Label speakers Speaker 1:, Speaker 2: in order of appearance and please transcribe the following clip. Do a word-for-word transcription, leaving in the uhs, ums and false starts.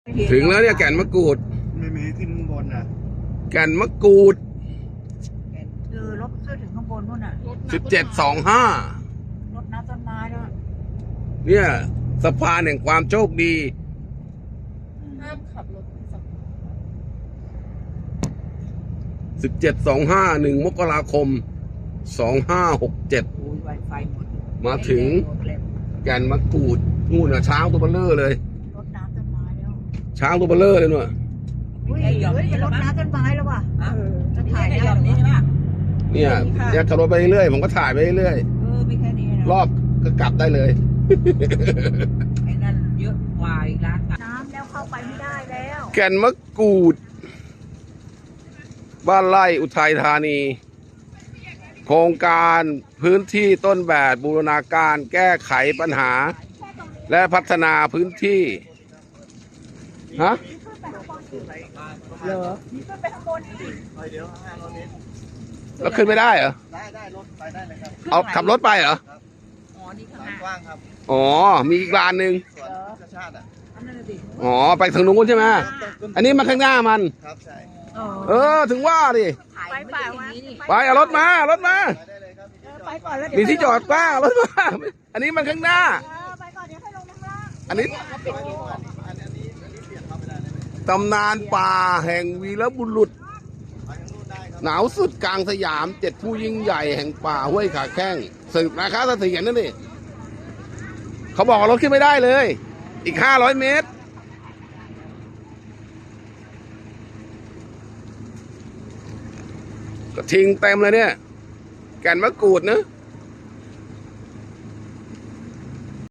Speaker 1: ถึงแล้วเนี่ยแก่นมะกรูด
Speaker 2: ไม่มีขึ้นข้างบนอ่ะ
Speaker 1: แก่นมะกรูด
Speaker 3: คือรถขึ้นถึงข้างบนนู่นน่ะ
Speaker 1: สิบเจ็ดสองห้าร
Speaker 3: ถน้ำต้นไม้ด้วย
Speaker 1: เนี่ยสะพานแห่งความโชคดี
Speaker 4: ห้ามขับรถสับ
Speaker 1: สิบเจ็ดสองห้าหนึ่งมกราคมสองห้าหกเจ็ด
Speaker 3: โอ้ยไวไฟหมด
Speaker 1: มาถึงแก่นมะกรูดนู่นน่ะช้างตัวเบลเลอร์เลย
Speaker 3: รถน้ำต้นไม้แล้ว
Speaker 1: ช้างตัวเบลเลอร์เลยนู่น
Speaker 3: อุ้ยเฮ้ยเป็นรถน้ำต้นไม้แล้วว่ะจะถ่ายได้หรอ
Speaker 1: เนี่ยเนี่ยขับรถไปเรื่อยผมก็ถ่ายไปเรื่อย
Speaker 3: เออไม่แค่นี้นะ
Speaker 1: รอบก็กลับได้เลย
Speaker 3: ไอ้นั่นเยอะกว่าอีกร้านน้ำแล้วเข้าไปไม่ได้แล้ว
Speaker 1: แก่นมะกรูดบ้านไร่อุทัยธานีโครงการพื้นที่ต้นแบบบูรณาการแก้ไขปัญหาและพัฒนาพื้นที่ฮะ
Speaker 3: เหรอมีขึ้นไปข้างบนอีก
Speaker 2: เดี๋ยวห้าร้อยเมตร
Speaker 1: แล้วขึ้นไม่ได้เหรอ
Speaker 2: ได้ได้รถไปได้เลยครับ
Speaker 1: เอาขับรถไปเหรอ
Speaker 3: อ๋อนี่ข้างหน้าก
Speaker 2: ว้างครับ
Speaker 1: อ๋อมีอีกลานหนึ่ง
Speaker 2: สวนธรรมชาติอ่ะ
Speaker 1: อ๋อไปทางนู้นใช่ไหมอันนี้มาข้างหน้ามัน
Speaker 2: ครับใช่
Speaker 1: เออถึงว่าดิ
Speaker 3: ไปไป
Speaker 1: ไปเอารถมารถมา
Speaker 3: ไปก่อนแล้ว
Speaker 1: มีที่จอดป้ารถมาอันนี้มันข้างหน้า
Speaker 3: ไปก่อนเดี๋ยวให้ลงข้างล่าง
Speaker 1: อันนี้ตำนานป่าแห่งวีรบุรุษหนาวสุดกลางสยามเจ็ดผู้ยิ่งใหญ่แห่งป่าห้วยขาแข้งสืบนาคาเสถียรนั่นนี่เขาบอกว่ารถขึ้นไม่ได้เลยอีกห้าร้อยเมตรก็ทิ้งเต็มเลยเนี่ยแก่นมะกรูดนะ